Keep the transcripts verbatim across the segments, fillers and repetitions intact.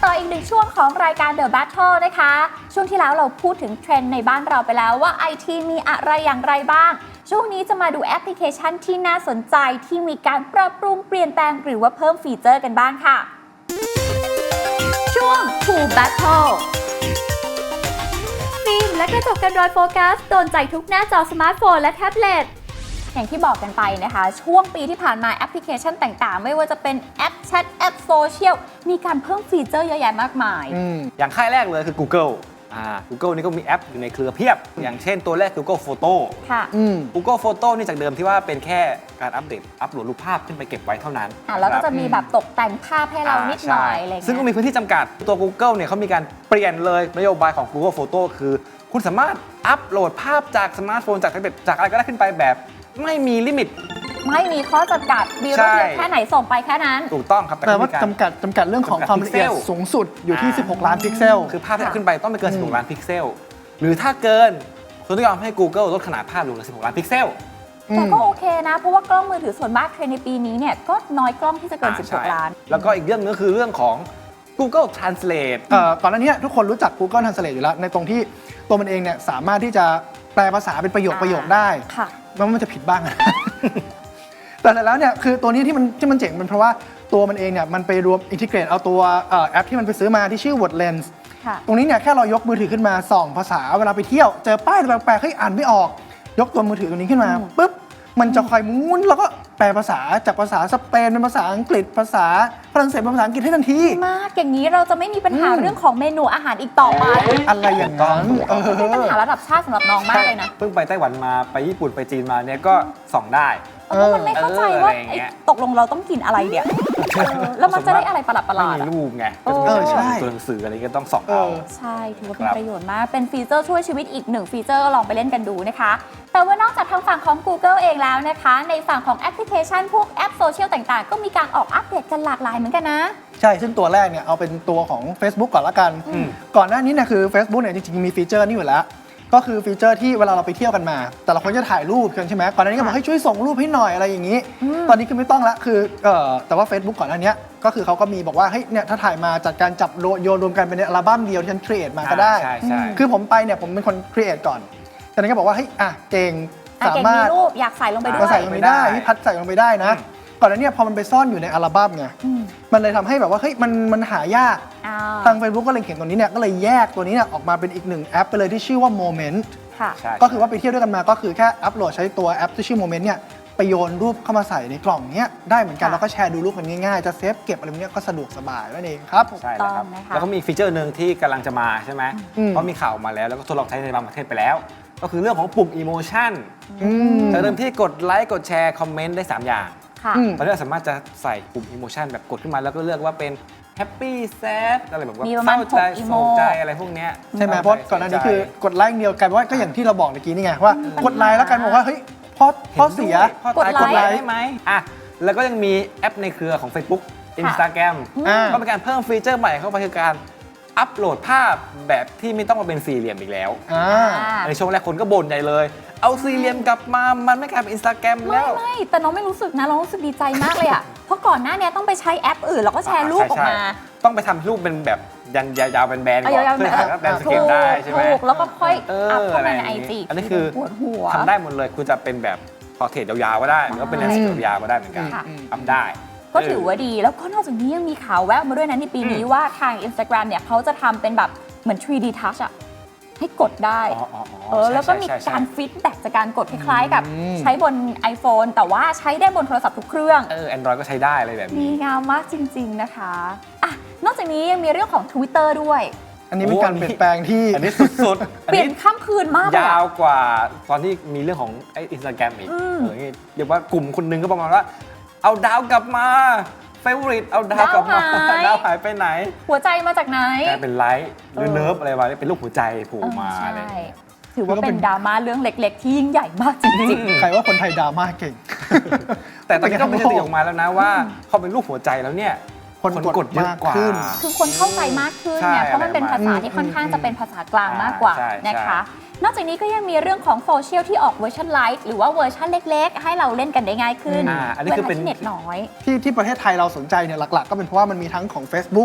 ต่ออีกหนึ่งช่วงของรายการ The Battle นะคะช่วงที่แล้วเราพูดถึงเทรนด์ในบ้านเราไปแล้วว่า ไอ ที มีอะไรอย่างไรบ้างช่วงนี้จะมาดูแอปพลิเคชันที่น่าสนใจที่มีการปรับปรุงเปลี่ยนแปลงหรือว่าเพิ่มฟีเจอร์กันบ้างค่ะช่วง To Battle ฟิล์มและกระจกกันรอยโฟกัสโดนใจทุกหน้าจอสมาร์ทโฟนและแท็บเล็ตอย่างที่บอกกันไปนะคะช่วงปีที่ผ่านมาแอปพลิเคชันต่างๆไม่ว่าจะเป็นแอปแชทแอปโซเชียลมีการเพิ่มฟีเจอร์เยอะแยะมากมายออย่างค่ายแรกเลยคือ Google อ่า Google นี่ก็มีแอปอยู่ในเครือเพียบ อย่างเช่นตัวแรก Google Photo ค่ะ Google Photo นี่จากเดิมที่ว่าเป็นแค่การอัปเดตอัปโหลดรูปภาพขึ้นไปเก็บไว้เท่านั้นอ่าแล้วก็จะมีแบบตกแต่งภาพให้เรานิดหน่อยอะไรเงี้ยซึ่งก็มีพื้นที่จำกัดตัว Google เนี่ยเขามีการเปลี่ยนเลยนโยบายของ Google Photo คือคุณสามารถอัปโหลดภาพจากสมาร์ทโฟนจากแท็บเล็ตจากอะไรก็ได้ขึ้นไปแบบไม่มีลิมิตไม่มีข้อจำกัดมีรูปเยอะแค่ไหนส่งไปแค่นั้นถูกต้องครับแต่ว่าจำกัดจำกัดเรื่องของความละเอียดสูงสุดอยู่ที่สิบหกล้านพิกเซลคือภาพที่ขึ้นไปต้องไม่เกินสิบหกล้านพิกเซลหรือถ้าเกินคุณต้องยอมให้ Google ลดขนาดภาพลงเหลือสิบหกล้านพิกเซลแต่ก็โอเคนะเพราะว่ากล้องมือถือส่วนมากเทรนด์ในปีนี้เนี่ยก็น้อยกล้องที่จะเกินสิบหกล้านแล้วก็อีกเรื่องนึงก็คือเรื่องของ Google Translate เอ่อก่อนหน้านี้ทุกคนรู้จัก Google Translate อยู่แล้วในตรงที่ตัวมันเองเนี่ยสามารถที่จะแปลภาษาเป็นประโยคประโยคได้แม้ว่ามันจะผิดบ้างนะแต่แล้วเนี่ยคือตัวนี้ที่มันที่มันเจ๋งเป็นเพราะว่าตัวมันเองเนี่ยมันไปรวมอินทิเกรตเอาตัวแอปที่มันไปซื้อมาที่ชื่อ WordLens ตรงนี้เนี่ยแค่เรายกมือถือขึ้นมาส่องภาษาเวลาไปเที่ยวเจอป้ายแปลกๆเฮ้ยอ่านไม่ออกยกตัวมือถือตัวนี้ขึ้นมาปุ๊บมันจะคอยมุนแล้วก็แปลภาษาจากภาษาสเปนเป็นภาษาอังกฤษภาษาฝรั่งเศสเป็นภาษาอังกฤษให้ทันทีมากอย่างนี้เราจะไม่มีปัญหาเรื่องของเมนูอาหารอีกต่อไปอะไรอย่างนั้นเป็นปัญหาระดับชาติสำหรับน้องมากเลยนะเพิ่งไปไต้หวันมาไปญี่ปุ่นไปจีนมาเนี่ยก็ส่องได้เพราะมันไม่เข้าใจว่าตกลงเราต้องกินอะไรเดี๋ยวแล้วมันจะได้อะไรประหลาดประหลาดไม่มีรูปไงก็จะมีตัวหนังสืออะไรก็ต้องส่องเอาใช่ถือว่าเป็นประโยชน์มากเป็นฟีเจอร์ช่วยชีวิตอีกหนึ่งฟีเจอร์ลองไปเล่นกันดูนะคะแต่ว่านอกจากทางฝั่งของ Google เองแล้วนะคะในฝั่งของแอปพลิเคชันพวกแอปโซเชียลต่างๆก็มีการออกอัปเดตกันหลากหลายเหมือนกันนะใช่ซึ่งตัวแรกเนี่ยเอาเป็นตัวของ Facebook ก่อนละกันก่อนหน้านี้เนี่ยคือ Facebook เนี่ยจริงๆมีฟีเจอร์นี่อยู่แล้วก็คือฟีเจอร์ที่เวลาเราไปเที่ยวกันมาแต่ละคนจะถ่ายรูปกันใช่ไหมก่อนหน้านี้ก็บอกให้ช่วยส่งรูปให้หน่อยอะไรอย่างนี้ ตอนนี้คือไม่ต้องละคือเอ่อแต่ว่า Facebook ก่อนหน้านี้ก็คือเขาก็มีบอกว่าเฮ้ยเนี่ยถ้าถ่ายมาจัดการจับโยนรวมกันเป็นอัลบั้มเดียวที่ฉันครีเอทมาก็ได้คือผมไปเนี่ยผมเป็นคนครีเอทก่อนจากนั้นก็บอกว่าเฮ้ยอ่ะเก่งสามารถรูปอยากใส่ลงไปด้วยใส่ลงไปได้พี่พัดใส่ลงไปได้นะก่อนหน้านี้พอมันไปซ่อนอยู่ในอัลบั้มไงมันเลยทำให้แบบว่าเฮ้ยมันมันหายากทาง Facebook ก็เลยเขียนตัวนี้เนี่ยก็เลยแยกตัวนี้เนี่ยออกมาเป็นอีกหนึ่งแอปไปเลยที่ชื่อว่า Moment ก็คือว่าไปเที่ยวด้วยกันมาก็คือแค่อัปโหลดใช้ตัวแอปที่ชื่อ Moment เนี่ยไปโยนรูปเข้ามาใส่ในกล่องเนี้ยได้เหมือนกันแล้วก็แชร์ดูรูปกันง่ายๆจะเซฟเก็บอะไรพวกนี้ก็สะดวกสบายนั่นเองครับใช่แล้วครับแล้วก็มีฟีเจอร์หนึ่งที่กำลังจะมาใช่ไหมเพราะมีข่าวมาแล้วแล้วก็ทดลองใช้ในบางประเทศไปแล้วก็คือเรื่องของปุ่ม Emotion จากเดิมที่กดไลค์กดแชร์คอมเมนต์ได้สามอย่างตอนนี้เราสามารถจะใส่ปุ่ม Emotion แบบกดขึ้นมาแล้วก็เลือกว่าเป็นแฮปปี้แซดอะไรแบบว่าเศร้าใจโศกใจอะไรพวกนี้ใช่ไหมเพราะก่อนหน้านี้คือกดไลค์เดียวกันว่าก็อย่างที่เราบอกเมื่อกี้นี่ไงว่ากดไลค์แล้วกันบอกว่าเฮ้ยพ่อพ่อเสียกดไลค์ได้ไหมอ่ะแล้วก็ยังมีแอปในเครือของ Facebook Instagram ก็เป็นการเพิ่มฟีเจอร์ใหม่เข้าไปคือการอัปโหลดภาพแบบที่ไม่ต้องมาเป็นสี่เหลี่ยมอีกแล้วในช่วงแรกคนก็บ่นใหญ่เลยเอาสี่เหลี่ยมกลับมามันไม่กลายเป็น Instagram แล้วไม่แต่น้องไม่รู้สึกนะน้องรู้สึกดีใจมากเลยอ่ะเพราะก่อนหน้านี้ต้องไปใช้แอปอื่นแล้วก็แชร์รูปออกมาต้องไปทำรูปเป็นแบบยันยาวๆเป็นแบนก่อนเพื่อถ่ายแบนสเกลได้ใช่ไหมถูกแล้วก็ค่อยอัพเข้ามาในไอจีอันนี้คือทำได้หมดเลยคุณจะเป็นแบบพอเทรดยาวๆก็ได้หรือว่าเป็นแลนด์สเกลยาวก็ได้เหมือนกันอัพได้ก็ถือว่าดีแล้วก็นอกจากนี้ยังมีข่าวแววมาด้วยนะในปีนี้ว่าทาง Instagram เนี่ยเขาจะทำเป็นแบบเหมือน ทรี ดี Touch อะให้กดได้เออแล้วก็มีการฟีดแบ็กจากการกดคล้ายๆกับใช้บน iPhone แต่ว่าใช้ได้บนโทรศัพท์ทุกเครื่องเออ Android ก็ใช้ได้อะไรแบบนี้ดีงามมากจริงๆนะคะอ่ะนอกจากนี้ยังมีเรื่องของ Twitter ด้วยอันนี้เป็นการเปลี่ยนแปลงที่อันนี้สุดๆเปลี่ยนข้ามคืนมากยาวกว่าตอนที่มีเรื่องของไอ้ Instagram อีกเรียกว่ากลุ่มคนนึงก็ประมาณว่าเอาดาวกลับมาเฟเวอริตเอาดาวกลับมาดาวหายไปไหนหัวใจมาจากไหนกลายเป็นไลท์หรือเนิร์ฟอะไรมาเป็นรูปหัวใจโผล่มาอะไรถือว่าเป็นดราม่าเรื่องเล็กๆที่ยิ่งใหญ่มากจริงๆใครว่าคนไทยดราม่าเก่งแต่ตอนนี้ก็มีสติออกมาแล้วนะว่าพอเป็นรูปหัวใจแล้วเนี่ยคนกดเยอะกว่าคือคนเข้าใจมากขึ้นเนี่ยเพราะมันเป็นภาษาที่ค่อนข้างจะเป็นภาษากลางมากกว่านะคะนอกจากนี้ก็ยังมีเรื่องของโซเชียลที่ออกเวอร์ชันไลท์หรือว่าเวอร์ชันเล็กๆให้เราเล่นกันได้ง่ายขึ้นอันนี้คือเป็นเน็ตน้อยที่ที่ประเทศไทยเราสนใจเนี่ยหลักๆก็เป็นเพราะว่ามันมีทั้งของ Facebook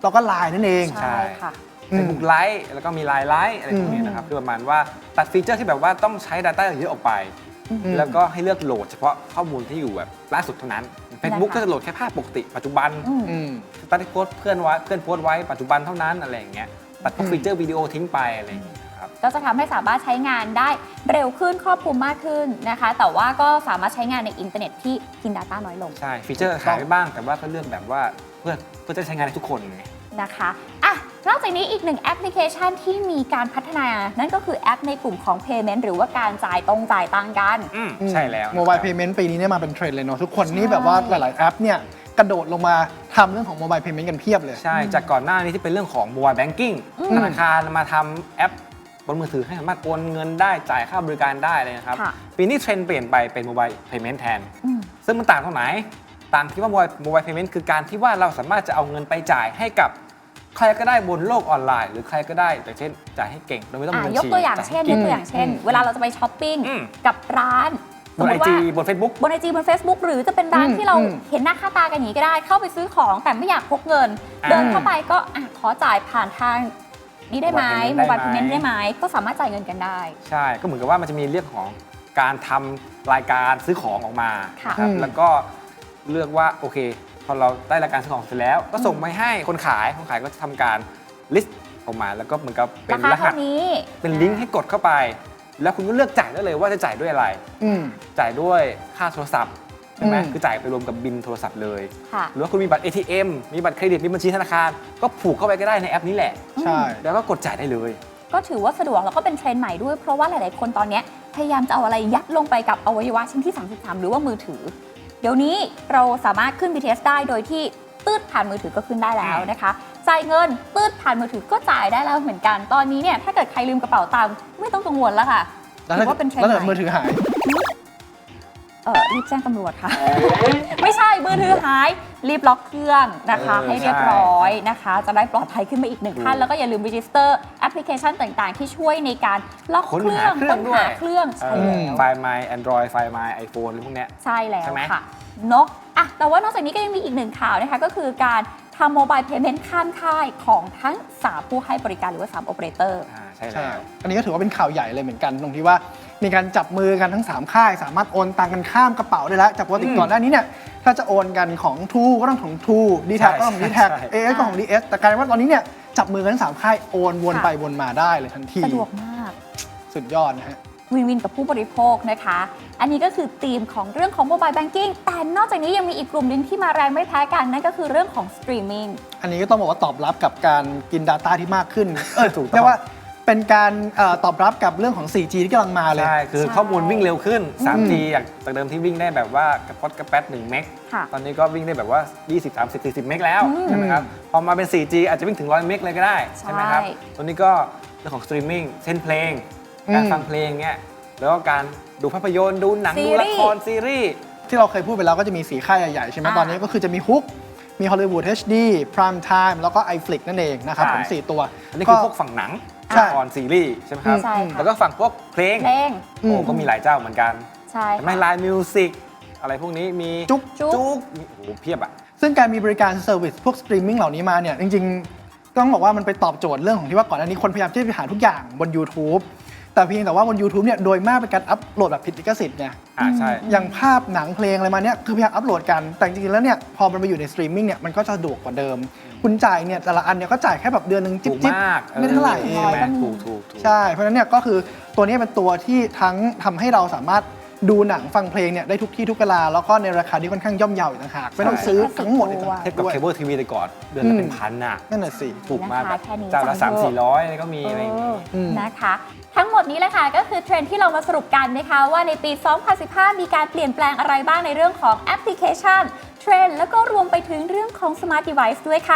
แล้วก็ ไลน์ นั่นเองใช่ค่ะ Facebook ไลฟ์แล้วก็มี ไลน์ ไลฟ์อะไรพวกนี้นะครับคือประมาณว่าตัดฟีเจอร์ที่แบบว่าต้องใช้ Data เยอะออกไป แล้วก็ให้เลือกโหลดเฉพาะข้อมูลที่อยู่แบบล่าสุดเท่านั้น Facebook ก็จะโหลดแค่ภาพปกติปัจจุบันตัดที่โพสต์เพื่อนไว้เพื่อนโพสต์ไว้ปัจจุบันเท่านั้นอะไรอย่างเงี้ยตัดพวกฟีเจอร์วิดีโอทิ้งไปอะไรอย่างเงี้ยครับก็จะทำให้สามารถใช้งานได้เร็วขึ้นครอบคลุมมากขึ้นนะคะแต่ว่าก็สามารถใช้งานในอินเทอร์เน็ตที่กิน Data น้อยลงใช่ฟีเจอร์หายไปบ้างแต่ว่าก็เลือกแบบว่าเพื่อเพื่อจะใช้งานในทุกคนไงนะคะอ่ะนอกจากนี้อีกหนึ่งแอปพลิเคชันที่มีการพัฒนา นั่นก็คือแอปในกลุ่มของ Payment หรือว่าการจ่ายตรงจ่ายตังค์กันอืมใช่แล้วโมบายเพย์เมนต์ปีนี้เนี่ยมาเป็นเทรนด์เลยเนาะทุกคนนี่แบบว่าหลาย ๆ แอปเนี่ยกระโดดลงมาทำเรื่องของโมบายเพย์เมนต์กันเพียบเลยใช่จากก่อนหน้านี้ที่เป็นเรื่องของ Mobile Banking ธนาคารมาทำแอปบนมือถือให้สามารถโอนเงินได้จ่ายค่าบริการได้เลยนะครับค่ะปีนี้เทรนด์เปลี่ยนไปเป็น Mobile Payment แทนอืมซึ่งมันต่างตรงไหน ต่างที่ว่า Mobile Mobile Payment คือการที่ว่าเราสามารถจะเอาเงินไปจ่ายให้กับใครก็ได้บนโลกออนไลน์ หรือใครก็ได้อย่างเช่นจ่ายให้เก่งโดยไม่ต้องมีอ่ะบัญยกชีตัวอย่างจ่เช่นให้ยก่งกตัวอย่างเช่น เวลาเราจะไปช้อปปิ้งอืมกับร้านสบมนมไอติว่าจีบน Facebook บนไอจีบน Facebook หรือจะเป็นร้านอืมที่เราอืมเห็นหน้าค่าตากันอย่างนี้ก็ได้ เข้าไปซื้อของแต่ไม่อยากพกเงินอ่าเดินเข้าไปก็อ่ะขอจ่ายผ่านทางนี้ได้ไหม Mobile โมบาย Payment เพย์เมนต์ได้ได้ไหไหมมก็สามารถจ่ายเงินกันได้ใช่ก็เหมือนกับว่ามันจะมีเรื่องของการทำรายการซื้อของออกมาค่ะนะครับอืมแล้วก็เลือกว่าโอเคพอเราได้รายการซื้อของเสร็จแล้ว ก็ส่งไปให้คนขายคนขายก็จะทำการลิสต์ออกมา แล้วก็เหมือนกับเป็ราน คารหัเท่าสนี้เป็นลิงก์ให้กดเข้าไป แล้วคุณก็เลือกจ่ายได้เลยว่าจะจ่ายด้วยอะไรอืมจ่ายด้วยค่าโทรศัพท์ใช่ไหมอืมคือจ่ายไปรวมกับบินโทรศัพท์เลยค่ะหรือว่าคุณมีบัตร เอ ที เอ็ม มีบัตรเครดิตมีบัญชีธนาคาร ก็ผูกเข้าไปก็ได้ในแอปนี้แหละใช่แล้วก็กดจ่ายได้เลยก็ถือว่าสะดวกแล้วก็เป็นเทรนด์ใหม่ด้วย เพราะว่าหลาย ๆ คนตอนเนี้ยพยายามจะเอาอะไรยัดลงไปกับอวัยวะชิ้นที่ สามสิบสาม หรือว่ามือถือ เดี๋ยวนี้เราสามารถขึ้น บี ที เอส ได้โดยที่ตืดผ่านมือถือก็ขึ้นได้แล้วนะคะจ่ายเงินตืดผ่านมือถือก็จ่ายได้แล้วเหมือนกัน ตอนนี้เนี่ยถ้าเกิดใครลืมกระเป๋าตังค์ไม่ต้องกังวลแล้วค่ะแล้วถืถ้าอว่าเป็นเทรนแล้วด์ถ้าใหมืม่อถือหายเออรีบแจ้งตำรวจค่ะ ไม่ใช่มือถือหายรีบล็อกเครื่องนะคะเออให้เรียบร้อยนะคะ จะได้ปลอดภัยขึ้นมาอีกหนึ่งขั้นถูกแล้วก็อย่าลืมรีจิสเตอร์แอปพลิเคชันต่าง ๆ ที่ช่วยในการล็อกค้นเครื่หาองเครื่องค้นด้วยหาเครื่องใช่เออแล้วไฟล์ My Android ไฟล์ My iPhone อะไรพวกเนี้ยใช่แล้วใช่ไหมค่ะเนอะอ่ะแต่ว่านอกจากนี้ก็ยังมีอีกหนึ่งข่าวนะคะ ก็คือการทำโมบายเพย์เมนต์ข้ามค่ายของทั้งสามผู้ให้บริการหรือว่าสามโอเปอเรเตอร์อ่าใช่ใช่แล้วอันนี้ก็ถือว่าเป็นข่าวใหญ่เลยเหมือนกันตรงที่ว่ามีการจับมือกันทั้ง สาม ค่าย สามารถโอนตังกันข้ามกระเป๋าได้แล้ว จากปกติอืมก่อนหน้านี้เนี่ยถ้าจะโอนกันของทูก็ต้องของทูดีแท็กก็ต้องของดีแท็กใช่เอเอสก็ของดีเอสแต่กลายเป็นว่าตอนนี้เนี่ยจับมือกันทั้งสามค่ายโอนวนค่ะไปวนมาได้เลยทันทีสะดวกมากสุดยอดนะฮะวินวินกับผู้บริโภคนะคะ อันนี้ก็คือธีมของเรื่องของโมบายแบงกิ้งแต่นอกจากนี้ยังมีอีกกลุ่มหนึงที่มาแรงไม่แพ้กันนั่นก็คือเรื่องของสตรีมมิ่งอันนี้ก็ต้องบอกว่าตอบรับกับการกิน Data ที่มากขึ้นเออถูกต้องเรียกว่าเป็นการเอ่อตอบรับกับเรื่องของ โฟร์จี ที่กำลังมาเลยใช่ คือใช่ข้อมูลวิ่งเร็วขึ้นอืมทรี จากจากเดิมที่วิ่งได้แบบว่ากระป๊อดกระแป๊ดหนึ่งเมกค่ะตอนนี้ก็วิ่งได้แบบว่า ยี่สิบ สามสิบ สี่สิบ เมกแล้วอืมใช่ไหมครับ พอมาเป็น โฟร์จี อาจจะวิ่งถึงหนึ่งร้อยเมกเลยก็ได้ ใช่ไหมครับใช่ตัวนี้ก็เรื่องของสตรีมมิ่งเช่นเพลง การฟังเพลงเนี้ย แล้วก็การดูภาพยนตร์ ดูหนังซีดูรีส์ละครซีรีส์ที่เราเคยพูดไปแล้วก็จะมีสีค่ายใหญ่ๆใช่ไหมอ่าตอนนี้ก็คือจะมีฮุกมี Hollywood เอช ดี Prime Time แล้วก็ iFlix นั่นเองนะครับใช่ผมสี่ตัวอันนี้คือพวกฝั่งหนังใช่ละครซีรีส์ใช่ไหมครับใช่ค่ะแล้วก็ฝั่งพวกเพลงเพลงอืโอ้มก็มีหลายเจ้าเหมือนกันใช่ไม่ค่ะไลน์มิวสิกอะไรพวกนี้มีจุ๊กจุ๊กจุ๊กมีโอ้โหเพียบอ่ะซึ่งการมีบริการเซอร์วิสพวกสตรีมมิ่งเหล่านี้มาเนี่ยจริงๆ ต้องบอกว่ามันไปตอบโจทย์เรื่องของที่ว่าก่อนหน้านี้คนพยายามที่จะไปหาทุกอย่างบน YouTube แต่เพียงแต่ว่าบน YouTube เนี่ยโดยมากเป็นการอัปโหลดแบบผิดลิขสิทธิ์ไงอ่าใช่อย่างภาพหนังเพลงอะไรมาเนี่ยคือพยายามอัปโหลดกันแต่จริงๆแล้วเนี่ยพอมันไปอยู่ในสตรีมมิ่งเนี่ยมันก็จะสะดวกกว่าเดิม คุณจ่ายเนี่ยแต่ละอันเนี่ยก็จ่ายแค่แบบเดือนหนึ่งจิ๊ถูบกจิ๊บมากไม่เท่าไหร่เอใช่งไหมถูกถูกถูกใช่ เพราะฉะนั้นเนี่ยก็คือตัวนี้เป็นตัวที่ทั้งทำให้เราสามารถดูหนังฟังเพลงเนี่ยได้ทุกที่ทุกเวลา แล้วก็ในราคาที่ค่อนข้างย่อมเยาอีกต่างหากไม่ต้องซื้อทั้งหมดอีกต่างหากเทียบกับด้วยเคเบิลทีวีแต่ก่อนเดือนละเป็นพันอ่ะนั่นน่ะสิถูกมากราคาแค่นี้เจ้าละจัสาง มเถอะสี่ร้อยก็มีอะไรอย่างเองี้ออืมนะคะ ทั้งหมดนี้แหละค่ะก็คือเทรนด์ที่เรามาสรุปกันนะคะว่าในปี สองพันสิบห้า มีการเปลี่ยนแปลงอะไรบ้างในเรื่องของแอปพลิเคชันเทรนด์แล้วก็รวมไปถึงเรื่องของ Smart Device ด้วยค่ะ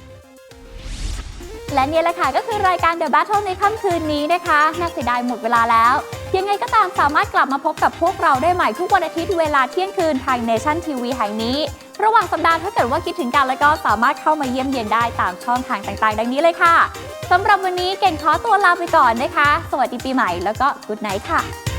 และเนี่ยแหละค่ะก็คือรายการ The Battle ในค่ำคืนนี้นะคะน่าเสียดายหมดเวลาแล้วยังไงก็ตามสามารถกลับมาพบกับพวกเราได้ใหม่ทุกวันอาทิตย์เวลาเที่ยงคืนทาง Nation ที วี แห่งนี้ ระหว่างสัปดาห์ถ้าเกิดว่าคิดถึงกันแล้วก็สามารถเข้ามาเยี่ยมเยียนได้ตามช่องทางต่างๆ ดังนี้เลยค่ะสำหรับวันนี้เก่งขอตัวลาไปก่อนนะคะสวัสดีปีใหม่แล้วก็ Good Night ค่ะ